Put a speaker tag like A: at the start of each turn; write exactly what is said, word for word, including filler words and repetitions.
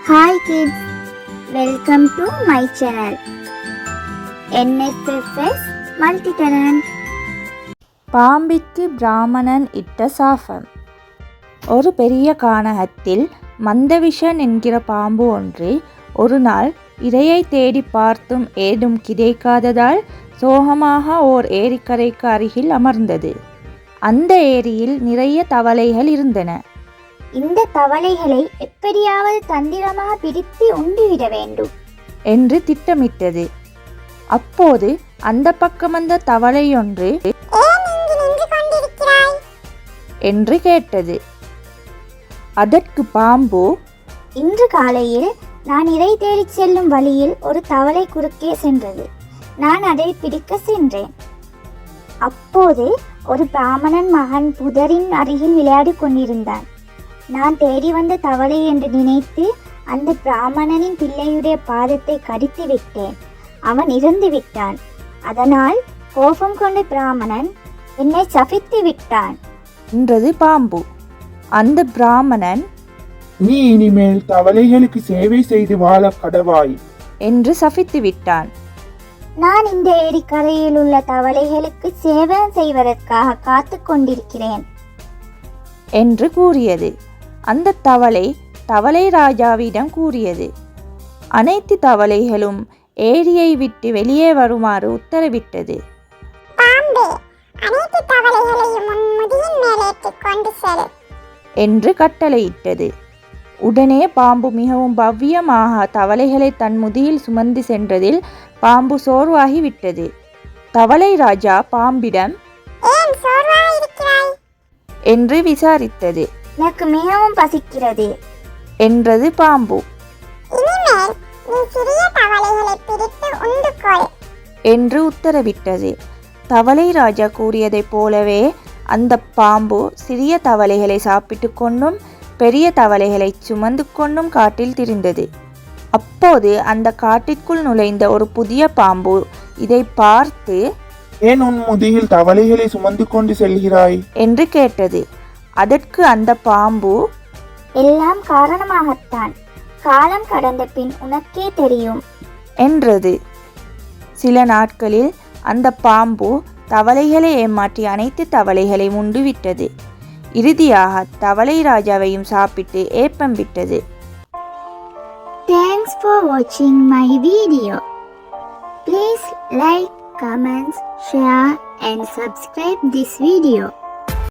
A: Hi kids, welcome to my channel N S F S Multitalent.
B: பாம்பிற்கு பிராமணன் இட்ட சாபம். ஒரு பெரிய கானகத்தில் மந்தவிஷன் என்கிற பாம்பு ஒன்று ஒரு நாள் இரையை தேடி பார்த்தும் ஏதும் கிடைக்காததால் சோகமாக ஓர் ஏரிக்கரைக்கு அருகில் அமர்ந்தது. அந்த ஏரியில் நிறைய தவளைகள் இருந்தன.
A: இந்த தவளைகளை எப்படியாவது தந்திரமாக பிடித்து உண்டுவிட வேண்டும்
B: என்று திட்டமிட்டது. அப்போது அந்த பக்கம் வந்த தவளையொன்று என்று கேட்டது. அதற்கு பாம்பு,
A: இன்று காலையில் நான் இறை தேடிச் செல்லும் வழியில் ஒரு தவளை குறுக்கே சென்றது. நான் அதை பிடிக்க சென்றேன். அப்போது ஒரு பிராமணன் மகன் புதரின் அருகில் விளையாடி கொண்டிருந்தான். நான் தேடி வந்த தவளை என்று நினைத்து அந்த பிராமணனின் பிள்ளையுடைய பாதத்தை கடித்து விட்டேன். அவன் இறந்து விட்டான். அதனால் கோபம் கொண்ட பிராமணன் என்னை சபித்து விட்டான்
B: என்றது பாம்பு. அந்த பிராமணன்,
C: நீ இனிமேல் தவளைகளுக்கு சேவை செய்து வாழ கடவாய்
B: என்று சபித்து விட்டான்.
A: நான் இந்த ஏரிக்கரையில் உள்ள தவளைகளுக்கு சேவை செய்வதற்காக காத்து கொண்டிருக்கிறேன்
B: என்று கூறியது. அந்த தவளை தவளை ராஜாவிடம் கூறியது. அனைத்து தவளைகளும் ஏரியை விட்டு வெளியே வருமாறு உத்தரவிட்டது. என்று கட்டளையிட்டது. உடனே பாம்பு மிகவும் பவ்யமாக தவளைகளை தன் முதுகில் சுமந்து சென்றதில் பாம்பு சோர்வாகி விட்டது. தவளை ராஜா பாம்பிடம் என்று விசாரித்தது.
A: எனக்கு மிகவும் பசிக்கிறது
B: என்றது பாம்பு. என்று உத்தரவிட்டது. தவளை ராஜா கூறியதைப் போலவே அந்த பாம்பு சிறிய தவளைகளை சாப்பிட்டு கொண்டும் பெரிய தவளைகளை சுமந்து கொண்டும் காட்டில் திரிந்தது. அப்போது அந்த காட்டிற்குள் நுழைந்த ஒரு புதிய பாம்பு இதை பார்த்து,
C: ஏன் உன் முதுகில் தவளைகளை சுமந்து கொண்டு செல்கிறாய்
B: என்று கேட்டது. அதற்கு அந்த பாம்பு,
A: எல்லாம் காரணமாகத்தான், காலம் கடந்த பின் உனக்கே தெரியும்
B: என்றது. சில நாட்களில் அந்த பாம்பு தவளைகளை ஏமாற்றி அனைத்து தவளைகளை உண்டுவிட்டது. இறுதியாக தவளை ராஜாவையும் சாப்பிட்டு ஏப்பம் விட்டது.
A: Thanks for watching my video. Please like, comments, share and subscribe this video.